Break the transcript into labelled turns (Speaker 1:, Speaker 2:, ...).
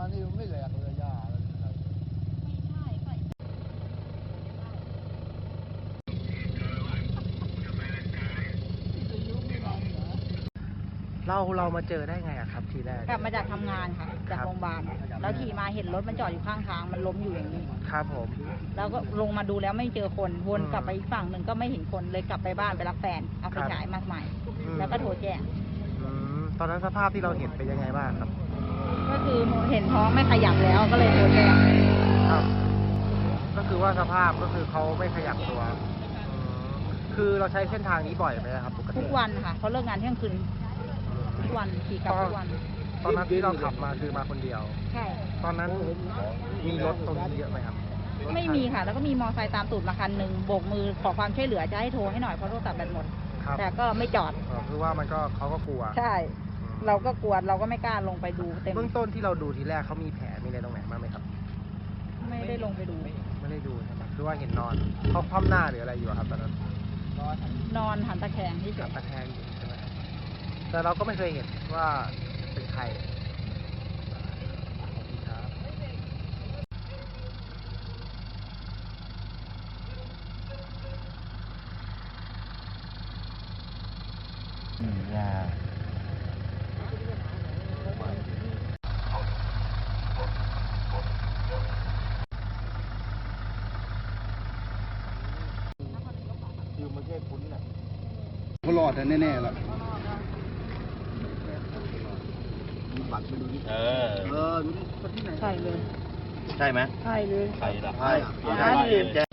Speaker 1: นี่มันไม่แหลกเลยหญ้าอะไรไม่ใช่ใส่
Speaker 2: เรามาเจอได้ไงอะครับทีแรก
Speaker 1: กลับมาจากทำงานค่ะจากโรงพยาบาลแล้วขี่มาเห็นรถมันจอดอยู่ข้างทางมันล้มอยู่อย่างนี้
Speaker 2: ครับผม
Speaker 1: แล้วก็ลงมาดูแล้วไม่เจอคนวนกลับไปอีกฝั่งหนึ่งก็ไม่เห็นคนเลยกลับไปบ้านไปรับแฟนเอาไปฉายมาใหม่ แล้วก็โทรแจ้ง
Speaker 2: ตอนนั้นสภาพที่เราเห็นเป็นยังไงบ้างครับ
Speaker 1: ก็คือเห็นท้องไม่ขยับแล้วก็เลยโทรแจ้ง
Speaker 2: ครับ ก็คือว่าสภาพก็คือเขาไม่ขยับตัวคือเราใช้เส้นทางนี้บ่อยไหมครับปกติ
Speaker 1: ทุกวันค่ะเขาเลิกงานเที่ยงคืนทุกวันขี่กลับทุกวัน
Speaker 2: ตอนนั้นที่เราขับมาคือมาคนเดียว
Speaker 1: ใช่
Speaker 2: ตอนนั้นมีรถตรงนี้เยอะไหมครับ
Speaker 1: ไม่มีค่ะ แล้วก็มีมอไซค์ตามตูดมาคันหนึ่งโบกมือขอความช่วยเหลือจะให้โทรให้หน่อยเพราะโทรศัพท์แบตหมด
Speaker 2: ครับ
Speaker 1: แต่ก็ไม่จอด
Speaker 2: คือว่ามันก็เขาก็กลัว
Speaker 1: ใช่ เราก็กลัวเราก็ไม่กล้าลงไปดูเต็ม
Speaker 2: เบื้องต้นที่เราดูทีแรกเขามีแผลมีอะไรตรงไหนบ้างไหมครับ
Speaker 1: ไม่ได้ลงไปดู
Speaker 2: ไม่ได้ดูใช่ไหมคือว่าเห็นนอนเขาคว่ำหน้าหรืออะไรอยู่อะครับตอนนั้น
Speaker 1: นอนหันตะแคงที่เฉ
Speaker 2: กับ
Speaker 1: ย
Speaker 2: ตะแคงอยู่ใช่ไหมแต่เราก็ไม่เคยเห็นว่าเป็นใครครับ
Speaker 3: ยาคือมันแค่คุ้นน่ะเขารอดแน่ๆแล้วมีบัตรไปดูดิดูดิคนที่ไหน
Speaker 1: ใช่เลย
Speaker 3: ใช่ไหม
Speaker 1: ใช่เลย
Speaker 3: ใช่ละใช่